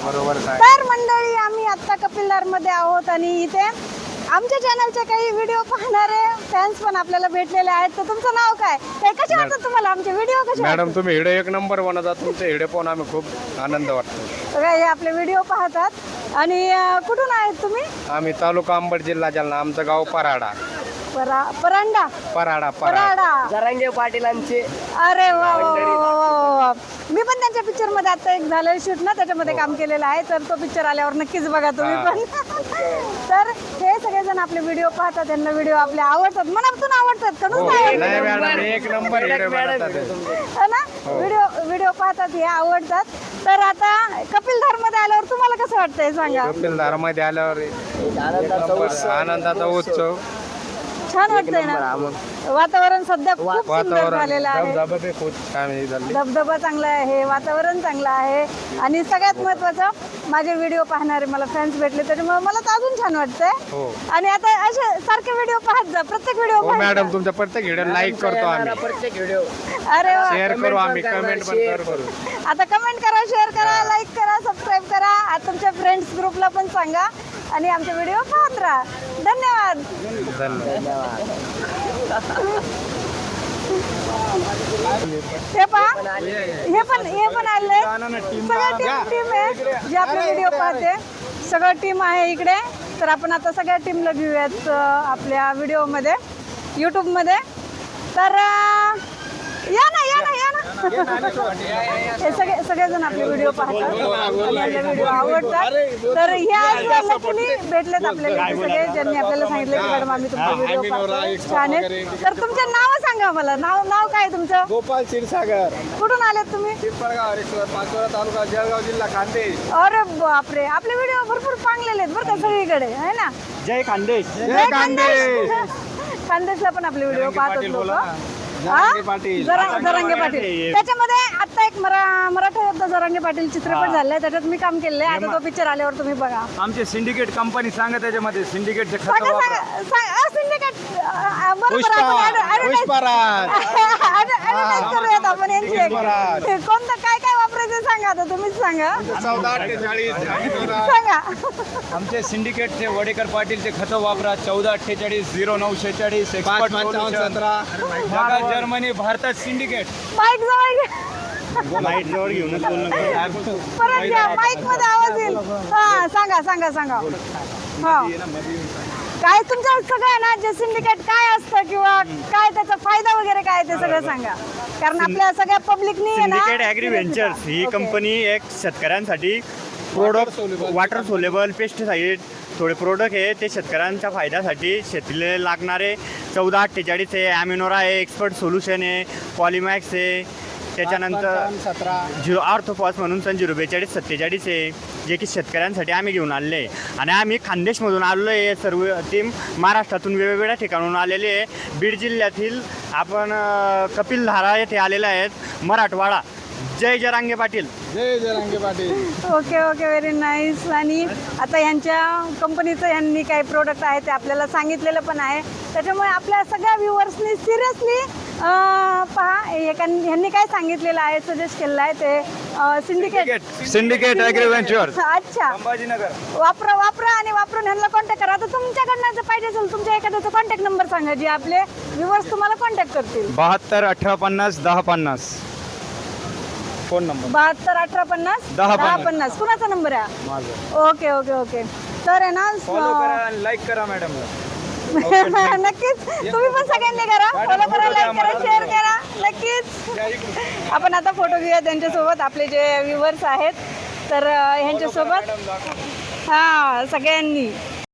बरोबर काय. तर मंडळी आम्ही आता कपिलधार मध्ये आहोत आणि इथे आमच्या चॅनलचे काही व्हिडिओ पाहणारे फॅन्स पण आपल्याला भेटलेले आहेत. तर तुमचं नाव काय? ते कसे वाटतात तुम्हाला आमचे व्हिडिओ कसे मॅडम तुम्ही व्हिडिओ एक नंबर बनवतात. तुमचे व्हिडिओ पाहून आम्ही खूप आनंद वाटतो. बघा हे आपले व्हिडिओ पाहतात आणि कुठून आहेत तुम्ही? आम्ही तालुका अंबड जिल्हा जालना. आमचं गाव पराडा. परांडा पराडा पराडा जरांगे पाटीलांचे. अरे वा वा वा वा वा. मी पण त्यांच्या पिक्चर मध्ये आता एक झालं शूट ना, त्याच्यामध्ये काम केलेलं आहे. तर तो पिक्चर आल्यावर नक्कीच बघा तुम्ही पण. तर हे सगळेजण आपले व्हिडिओ पाहतात, त्यांना व्हिडिओ आपले आवडतात, मनातून आवडतात का नुसतं नाही आवडतात? मॅडम एक नंबर व्हिडिओ बनवतात. है ना? व्हिडिओ पाहतात, हे आवडतात. तर आता कपिलधार मध्ये आल्यावर तुम्हाला कसं वाटतंय सांगा? कपिलधारामध्ये आल्यावर आनंदाचा उत्सव. छान वाटतंय ना? वातावरण सध्या खूप सुंदर वातावरण झालेलं आहे. धबधबे खूप छान झाले. धबधबा चांगला आहे, वातावरण चांगलं आहे आणि सगळ्यात महत्वाचं माझे व्हिडिओ पाहणारे मला फॅन्स भेटले, त्याच्यामुळे मला तर अजून छान वाटतंय. हो आणि आता असे सारखे व्हिडिओ पाहत जा, प्रत्येक व्हिडिओ हो मॅडम तुमच्या प्रत्येक व्हिडिओ लाईक करतो आम्ही. प्रत्येक व्हिडिओ अरे वा. शेअर करू आम्ही. कमेंट पण करू. आता कमेंट करा, शेअर करा, लाईक करा, सबस्क्राईब करा. आता तुमच्या फ्रेंड्स ग्रुपला पण सांगा आणि आमचे व्हिडिओ पाहत राहा. धन्यवाद. धन्यवाद. हे पहा, हे पण आले. सगळं टीम आहे जी आपले व्हिडिओ पाहते. सगळं टीम आहे इकडे. तर आपण आता सगळ्या टीमला घेऊयात आपल्या व्हिडिओमध्ये, यूट्यूबमध्ये. तर या ना. हे सगळेजण आपले व्हिडिओ पाहतात आणि आपले व्हिडिओ आवडतात. तर ह्या लकीली भेटलेत आपल्याला सगळे, ज्यांनी आपल्याला सांगितलं की मॅडम आम्ही तुमचे व्हिडिओ पाहतो, छान आहेत. तर तुमचे नाव सांगा मला. नाव काय तुमचं? गोपाल क्षीरसागर. कुठून आलेत तुम्ही? पाचोरा तालुका जळगाव जिल्हा खानदेश. अरे बापरे, आपले व्हिडिओ भरपूर चांगलेले आहेत बरं का सगळीकडे, आहे ना? जय खानदेश. जय खानदेश. खानदेशला पण आपले व्हिडिओ पाहतात लोक. जरांगे पाटील. त्याच्यामध्ये आता एक मराठा योद्धा जरांगे पाटील चित्रपट झालाय, त्याच्यात मी काम केलेलं आहे. आता तो पिक्चर आल्यावर तुम्ही बघा. आमचे सिंडिकेट कंपनी सांगा त्याच्यामध्ये. सिंडिकेटचे सिंडिकेट करूयात आपण यांची. कोणतं काय वापरायचं सांगा, आता तुम्हीच सांगा. 1448 सांगा. आमचे सिंडिकेटचे वडेकर पाटीलचे खतं वापरा. 1448 0946 एक्सपर्ट सोल्युशन. जगात जर्मनी, भारतात सिंडिकेट. माईक जवळ घ्या. लाईट जवळ घेऊनच परत घ्या, माईक मध्ये आवाज येईल. हा सांगा. हा काय तुमचं सगळं ना, जे सिंडिकेट काय असतं किंवा काय त्याचा फायदा वगैरे काय ते सगळं सांगा, कारण आपल्या सगळ्या पब्लिकनी सिंडिकेट ॲग्री व्हेंचर्स ही कंपनी एक शेतकऱ्यांसाठी प्रोडक्ट वॉटर सोलेबल पेस्टिसाइड थोडे प्रोडक्ट आहे ते शेतकऱ्यांच्या फायद्यासाठी शेतीला लागणारे 1448 आहे, ॲमिनोरा आहे, एक्सपर्ट सोल्युशन आहे, पॉलिमॅक्स आहे, त्याच्यानंतर झिरो आर्थोफॉस म्हणून 04247 आहे, जे की शेतकऱ्यांसाठी आम्ही घेऊन आलेले आहे. आणि आम्ही खानदेशमधून आलेलो आहे. सर्व टीम महाराष्ट्रातून वेगवेगळ्या ठिकाणून आलेले आहे. बीड जिल्ह्यातील आपण कपिलधारा येथे आलेले आहेत. मराठवाडा. जय जरांगे पाटील. जय Jarange Patil. Okay very nice. आणि आता ह्यांच्या कंपनीचं ह्यांनी काही प्रोडक्ट आहे ते आपल्याला सांगितलेलं पण आहे, त्याच्यामुळे आपल्या सगळ्या व्ह्युअर्सनी सिरियसली पहा ह्यांनी काय सांगितलेलं आहे, सजेस्ट केलेलं आहे ते सिंडिकेट ॲग्री व्हेंचर्स. अच्छा, संभाजीनगर. वापरा आणि वापरून ह्यांना कॉन्टॅक्ट करा. आता तुमच्याकडनं जर पाहिजे असेल तुमच्या एखाद्याचा कॉन्टॅक्ट नंबर सांगा, जे आपले व्ह्युअर्स तुम्हाला कॉन्टॅक्ट करतील. 72 1850 1050 फोन नंबर. 72 1850 1050 कुणाचा नंबर आहे? ओके. तर आहे ना, फॉलो करा आणि लाईक करा मॅडमला. नक्कीच तुम्ही पण सगळ्यांनी करा, फॉलो करा, लाईक करा, शेअर करा नक्कीच. आपण आता फोटो घेऊया त्यांच्यासोबत, आपले जे व्ह्युअर्स आहेत तर ह्यांच्यासोबत. हा सगळ्यांनी